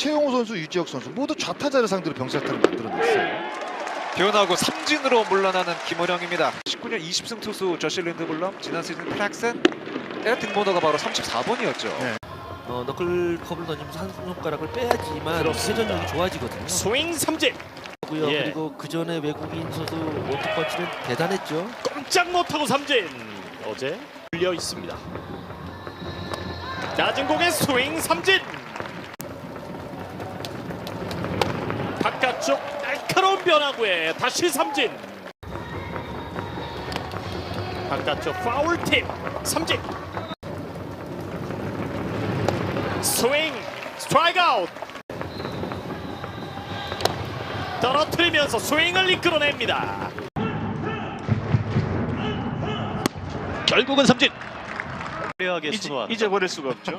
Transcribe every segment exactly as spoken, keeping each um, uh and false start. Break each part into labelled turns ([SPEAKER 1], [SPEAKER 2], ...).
[SPEAKER 1] 최용호 선수, 유지혁 선수 모두 좌타자를 상대로 병살타를 만들어냈어요.
[SPEAKER 2] 변하고 삼진으로 물러나는 김원영입니다. 십구 년 이십 승 투수 저시 린드블럼, 지난 시즌 플렉슨 등번호가 바로 삼십사 번이었죠.
[SPEAKER 1] 네.
[SPEAKER 3] 어, 너클컵을 던지면서 한 손가락을 빼야지만 회전력이 좋아지거든요.
[SPEAKER 4] 스윙 삼진.
[SPEAKER 3] 고요.
[SPEAKER 4] 예.
[SPEAKER 3] 그리고 그 전에 외국인 선수 원투펀치는 대단했죠.
[SPEAKER 4] 꼼짝 못하고 삼진. 어제 불려 있습니다. 낮은 공의 스윙 삼진. 바깥쪽 날카로운 변화구에 다시 삼진. 바깥쪽 파울 팁 삼진. 스윙 스트라이크 아웃. 떨어뜨리면서 스윙을 이끌어냅니다. 결국은 삼진. 화려하게 순환. 잊어버릴 수가 없죠.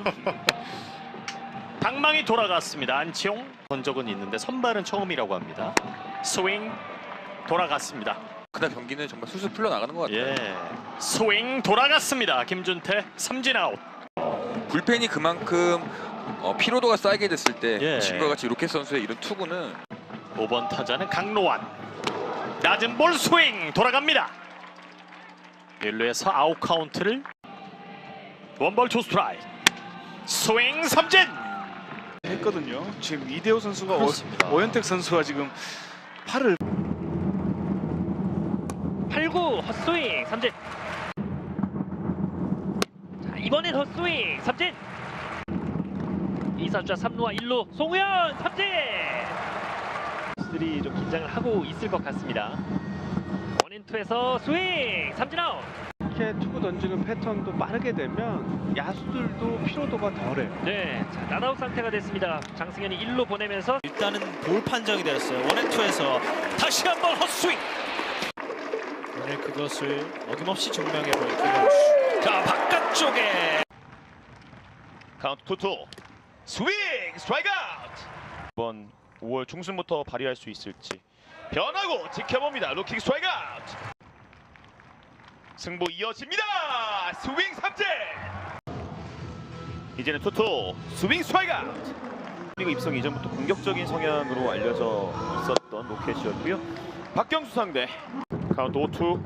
[SPEAKER 4] 방망이 돌아갔습니다. 안치홍. 본 적은 있는데 선발은 처음이라고 합니다. 스윙 돌아갔습니다.
[SPEAKER 5] 그날 경기는 정말 술술 풀려나가는 것 같아요.
[SPEAKER 4] 예. 스윙 돌아갔습니다. 김준태 삼진 아웃.
[SPEAKER 5] 불펜이 그만큼 어, 피로도가 쌓이게 됐을 때
[SPEAKER 4] 예.
[SPEAKER 5] 지금과 같이 로켓 선수의 이런 투구는
[SPEAKER 4] 오 번 타자는 강로환. 낮은 볼 스윙 돌아갑니다. 일 루에서 아웃 카운트를 원볼 투 스트라이크. 스윙 삼진.
[SPEAKER 6] 했거든요. 지금 이대호 선수가 오, 오현택 선수가 지금 팔을
[SPEAKER 7] 팔 구 헛스윙 삼진. 자, 이번엔 헛스윙 삼진. 이 사주자 삼 루와 일 루 송우현 삼진. 들이 좀 긴장을 하고 있을 것 같습니다. 원앤투에서 스윙 삼진 아웃.
[SPEAKER 8] 이렇게 투구 던지는 패턴도 빠르게 되면 야수들도 피로도가 덜해요.
[SPEAKER 7] 네, 자, 낫아웃 상태가 됐습니다. 장승현이 일 루 보내면서
[SPEAKER 3] 일단은 볼 판정이 되었어요. 원앤투에서 다시 한번 헛스윙. 오늘 그것을 어김없이 증명해볼 김원수. 자, 바깥쪽에
[SPEAKER 4] 카운트 투 투. 스윙 스트라이크 아웃. 이번 오월 중순부터 발휘할 수 있을지 변하고 지켜봅니다. 루킹 스트라이크 아웃. 승부 이어집니다. 스윙 삼진. 이제는 투 투. 스윙 스트라이크 아웃. 그리고 입성 이전부터 공격적인 성향으로 알려져 있었던 로켓이었고요. 박경수 상대. 카운트 오 투.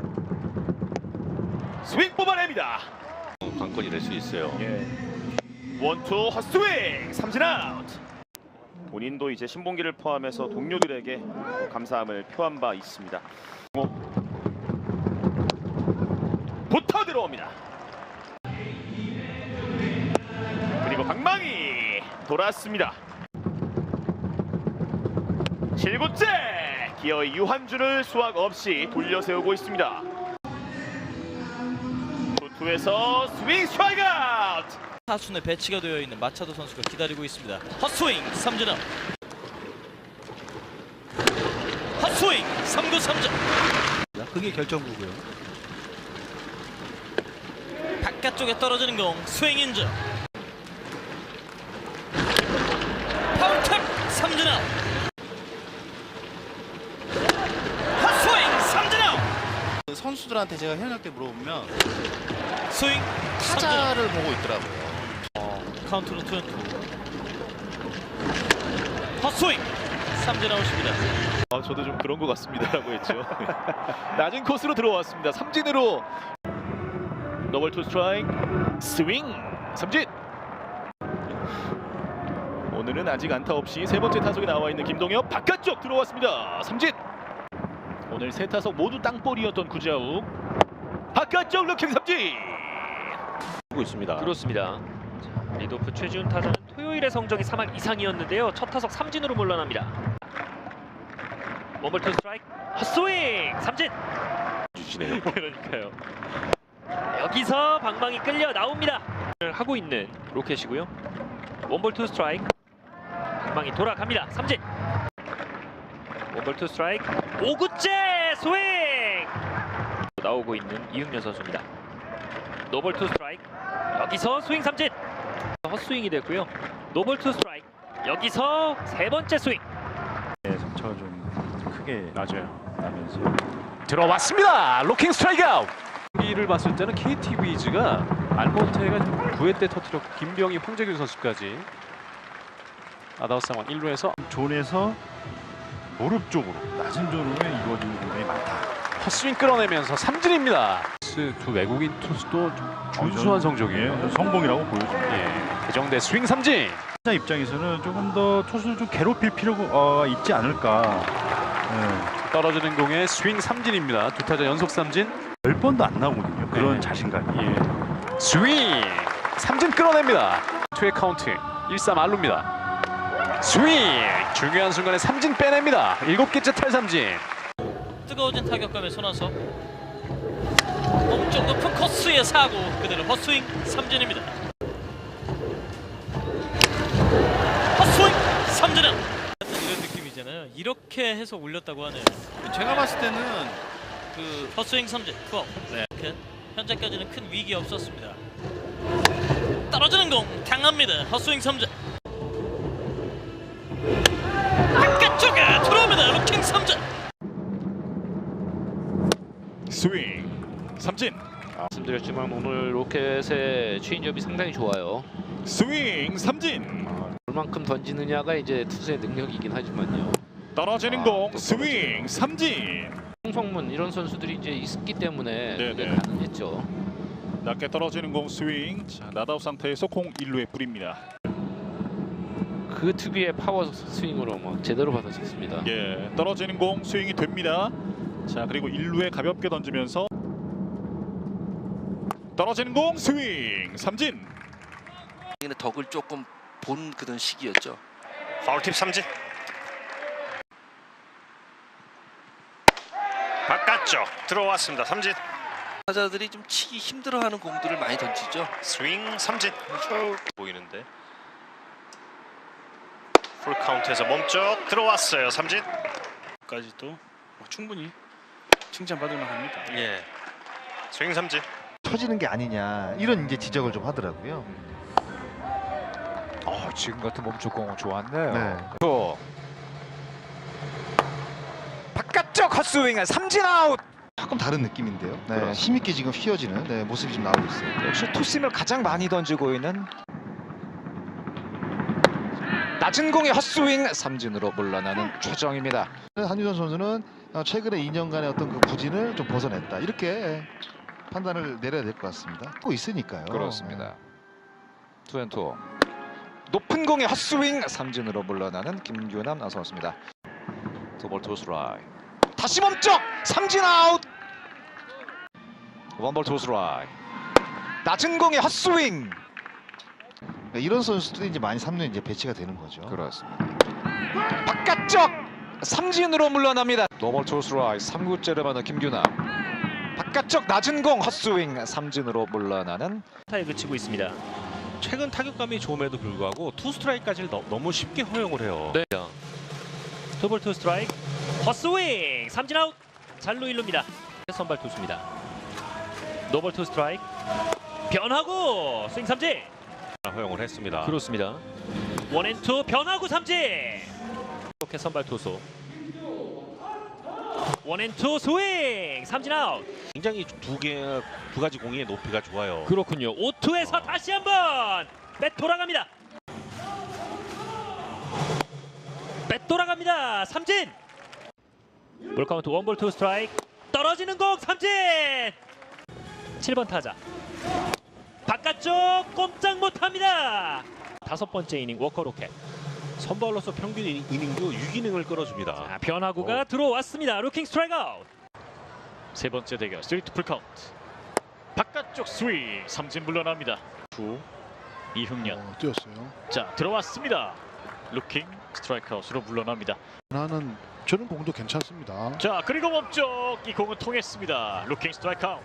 [SPEAKER 4] 스윙 뽑아냅니다.
[SPEAKER 9] 관건이 될 수 있어요.
[SPEAKER 4] 예. 원투 헛스윙 삼진 아웃. 본인도 이제 신봉기를 포함해서 동료들에게 감사함을 표한 바 있습니다. 붙어 들어옵니다. 그리고 방망이 돌았습니다. 칠 구째 기어이 유한준을 수확 없이 돌려세우고 있습니다. 투투에서 스윙 스트라이크 아웃.
[SPEAKER 3] 타순에 배치가 되어 있는 마차도 선수가 기다리고 있습니다. 헛스윙 삼진 아웃. 헛스윙 삼 구 삼진.
[SPEAKER 8] 그게 결정구고요.
[SPEAKER 3] 바깥쪽에 떨어지는 공 스윙 인정. 파울캡 삼진 아웃. 헛스윙 삼진 아웃.
[SPEAKER 10] 선수들한테 제가 현역 때 물어보면
[SPEAKER 3] 스윙
[SPEAKER 10] 타자를 보고 있더라고요.
[SPEAKER 3] 어, 카운트는 투 앤 투. 헛스윙 삼진 아웃입니다.
[SPEAKER 4] 아, 저도 좀 그런 것 같습니다라고 했죠. 낮은 코스로 들어왔습니다. 삼진으로 더블 투 스트라이크. 스윙 삼진. 오늘은 아직 안타 없이 세 번째 타석에 나와 있는 김동엽. 바깥쪽 들어왔습니다. 삼진. 오늘 세 타석 모두 땅볼이었던 구자욱. 바깥쪽 루킹 삼진.
[SPEAKER 9] 하고 있습니다.
[SPEAKER 7] 그렇습니다. 자, 리드오프 최지훈 타자는 토요일의 성적이 삼 할 이상이었는데요. 첫 타석 삼진으로 물러납니다. 원볼 투 스트라이크 헛스윙 삼진.
[SPEAKER 9] 주시네요.
[SPEAKER 7] 그러니까요. 여기서 방망이 끌려 나옵니다. 하고 있는 로켓이고요. 원볼 투 스트라이크. 방망이 돌아갑니다. 삼진. 원볼 투 스트라이크. 오 구째 스윙. 나오고 있는 이윤열 선수입니다. 노볼 투 스트라이크. 여기서 스윙 삼진. 헛스윙이 됐고요. 노볼 투 스트라이크. 여기서 세 번째 스윙.
[SPEAKER 8] 네, 점차가 좀 크게
[SPEAKER 6] 맞아요.
[SPEAKER 8] 나면서
[SPEAKER 4] 들어왔습니다. 루킹 스트라이크 아웃.
[SPEAKER 8] 경기를 봤을 때는 케이티 위즈가 알몬테가 구 회 때 터뜨렸고 김병희, 황재균 선수까지
[SPEAKER 4] 아다우 상황 일 루에서
[SPEAKER 8] 존에서 무릎 쪽으로 낮은 존으로 이루어지는 공간이 많다.
[SPEAKER 4] 헛스윙 끌어내면서 삼진입니다. 두 외국인 투수도 준수한 성적이에요.
[SPEAKER 8] 성공이라고 보여집니다.
[SPEAKER 4] 예, 개정대 스윙 삼진.
[SPEAKER 8] 타자 입장에서는 조금 더 투수를 좀 괴롭힐 필요가 어, 있지 않을까. 네.
[SPEAKER 4] 떨어지는 공에 스윙 삼진입니다. 두 타자 연속 삼진.
[SPEAKER 8] 열 번도 안 나오거든요. 그런
[SPEAKER 4] 네.
[SPEAKER 8] 자신감이.
[SPEAKER 4] 예. 스윙 삼진 끌어냅니다. 투의 카운트 일 삼 알루입니다. 스윙 중요한 순간에 삼진 빼냅니다. 일곱 개째 탈삼진.
[SPEAKER 3] 뜨거워진 타격감에 손아섭 몸쪽 높은 코스의 사고 그대로 헛스윙 삼진입니다. 헛스윙 삼진은 이런 느낌이잖아요. 이렇게 해서 올렸다고 하네요.
[SPEAKER 10] 제가 봤을 때는 그
[SPEAKER 3] 헛스윙 삼진 고! 네. 현재까지는 큰 위기 없었습니다. 떨어지는 공 강합니다. 헛스윙 삼진 바깥쪽에 들어옵니다. 루킹 삼진
[SPEAKER 11] 스윙 삼진.
[SPEAKER 7] 말씀드렸지만 오늘 로켓의 추인점이 상당히 좋아요.
[SPEAKER 11] 스윙 삼진.
[SPEAKER 7] 얼만큼 던지느냐가 이제 투수의 능력이긴 하지만요.
[SPEAKER 11] 떨어지는
[SPEAKER 7] 아,
[SPEAKER 11] 공
[SPEAKER 7] 또
[SPEAKER 11] 스윙 삼진.
[SPEAKER 7] 홍성문 이런 선수들이 이제 있기 때문에
[SPEAKER 11] 네,
[SPEAKER 7] 그게
[SPEAKER 11] 네.
[SPEAKER 7] 가능했죠.
[SPEAKER 11] 낮게 떨어지는 공 스윙. 자, 나다우 상태에서 공 일 루에 뿌립니다.
[SPEAKER 7] 그 특유의 파워 스윙으로 막 제대로 받아쳤습니다.
[SPEAKER 11] 예, 떨어지는 공 스윙이 됩니다. 자, 그리고 일 루에 가볍게 던지면서 떨어지는 공 스윙 삼진.
[SPEAKER 10] 덕을 조금 본 그런 시기였죠.
[SPEAKER 3] 파울팁 삼진 바깥쪽 들어왔습니다. 삼진
[SPEAKER 10] 타자들이 좀 치기 힘들어하는 공들을 많이 던지죠.
[SPEAKER 3] 스윙 삼진 쭉 보이는데 풀 카운트에서 몸쪽 들어왔어요. 삼진
[SPEAKER 6] 까지도 충분히 칭찬받을 만합니다.
[SPEAKER 3] 예 스윙 삼진
[SPEAKER 1] 쳐지는 게 아니냐 이런 이제 지적을 좀 하더라고요.
[SPEAKER 2] 어, 지금 같은 몸쪽 공은 좋았네요.
[SPEAKER 1] 네.
[SPEAKER 2] 바깥쪽 헛스윙 삼진 아웃.
[SPEAKER 1] 조금 다른 느낌인데요. 네,
[SPEAKER 2] 그렇습니다.
[SPEAKER 1] 힘있게 지금 휘어지는 네, 모습이 좀 나오고 있어요.
[SPEAKER 2] 역시 투심을 가장 많이 던지고 있는 낮은 공의 헛스윙 삼진으로 물러나는 최정입니다.
[SPEAKER 1] 한유선 선수는 어, 최근에 이 년간의 어떤 그 부진을 좀 벗어냈다 이렇게 판단을 내려야 될 것 같습니다. 하고 있으니까요.
[SPEAKER 2] 그렇습니다. 투앤투 높은 공의 헛스윙 삼진으로 물러나는 김규남 나서왔습니다. 투볼 투스트라이크 다시 몸쪽 삼진 아웃. 원볼 투스트라이크 낮은 공의 헛스윙.
[SPEAKER 1] 네, 이런 선수들이 이제 많이 삼 루에 이제 배치가 되는 거죠.
[SPEAKER 2] 그렇습니다. 바깥쪽 삼진으로 물러납니다. 노볼 투스트라이크 삼 구째를 받는 김규남. 바깥쪽 낮은 공 헛스윙 삼진으로 물러나는
[SPEAKER 7] 타에 그치고 있습니다.
[SPEAKER 9] 최근 타격감이 좋음에도 불구하고 투 스트라이크까지를 너, 너무 쉽게 허용을 해요.
[SPEAKER 7] 네. 투볼 투 스트라이크 헛스윙 삼진 아웃. 잘루 일루입니다. 선발 투수입니다. 노볼 투 스트라이크 변하고 스윙 삼진.
[SPEAKER 9] 허용을 했습니다.
[SPEAKER 7] 그렇습니다. 원앤투 변하고 삼진. 이렇게 선발 투수 원앤투 스윙 삼진 아웃.
[SPEAKER 9] 굉장히 두 개, 두 가지 공의 높이가 좋아요.
[SPEAKER 7] 그렇군요. 오 투에서 다시 한번 뱃 돌아갑니다. 뱃 돌아갑니다. 삼진. 볼 카운트 원볼 투 스트라이크 떨어지는 공 삼진. 칠 번 타자 바깥쪽 꼼짝 못합니다. 다섯 번째 이닝 워커 로켓.
[SPEAKER 9] 선발로서 평균 이닝- 이닝도 육 이닝을 끌어줍니다.
[SPEAKER 7] 자, 변화구가
[SPEAKER 9] 어.
[SPEAKER 7] 들어왔습니다. 루킹 스트라이크 아웃.
[SPEAKER 3] 세 번째 대결 스트레이트 풀 카운트 바깥쪽 스윙 삼진 물러납니다. 구 이흥년
[SPEAKER 8] 어, 뛰었어요.
[SPEAKER 3] 자 들어왔습니다. 루킹 스트라이크 아웃으로 물러납니다.
[SPEAKER 8] 나는 저는 공도 괜찮습니다.
[SPEAKER 3] 자 그리고 몸쪽 이 공은 통했습니다. 루킹 스트라이크 아웃.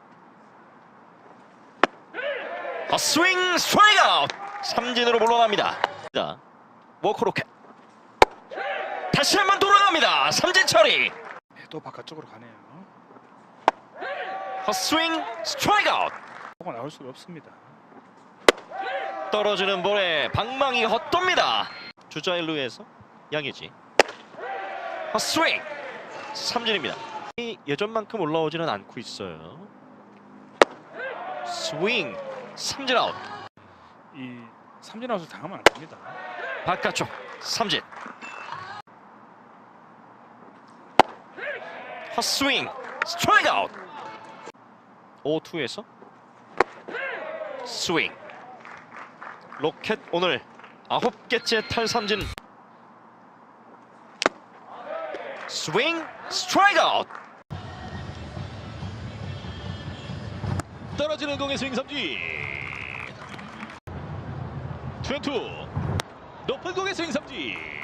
[SPEAKER 3] 헛스윙 스트라이크 아웃 삼진으로 물러납니다. 자 워커 로켓 다시 한번 돌아갑니다. 삼진 처리.
[SPEAKER 6] 또 바깥쪽으로 가네요.
[SPEAKER 3] 헛스윙 스트라이크 아웃.
[SPEAKER 6] 뭐가 나올 수가 없습니다.
[SPEAKER 3] 떨어지는 볼에 방망이 헛돕니다. 주자 일 루에서 양의지 헛스윙 삼진입니다. 예전만큼 올라오지는 않고 있어요. 스윙 삼진 아웃.
[SPEAKER 6] 이 삼진 아웃을 당하면 안 됩니다.
[SPEAKER 3] 바깥쪽 삼진. 헛스윙 스트라이크 아웃. 오투에서 스윙. 로켓 오늘 아홉 개째 탈삼진. 스윙 스트라이크 아웃.
[SPEAKER 4] 떨어지는 공의 스윙 삼진. 투앤투 높은 공의 스윙 삼진.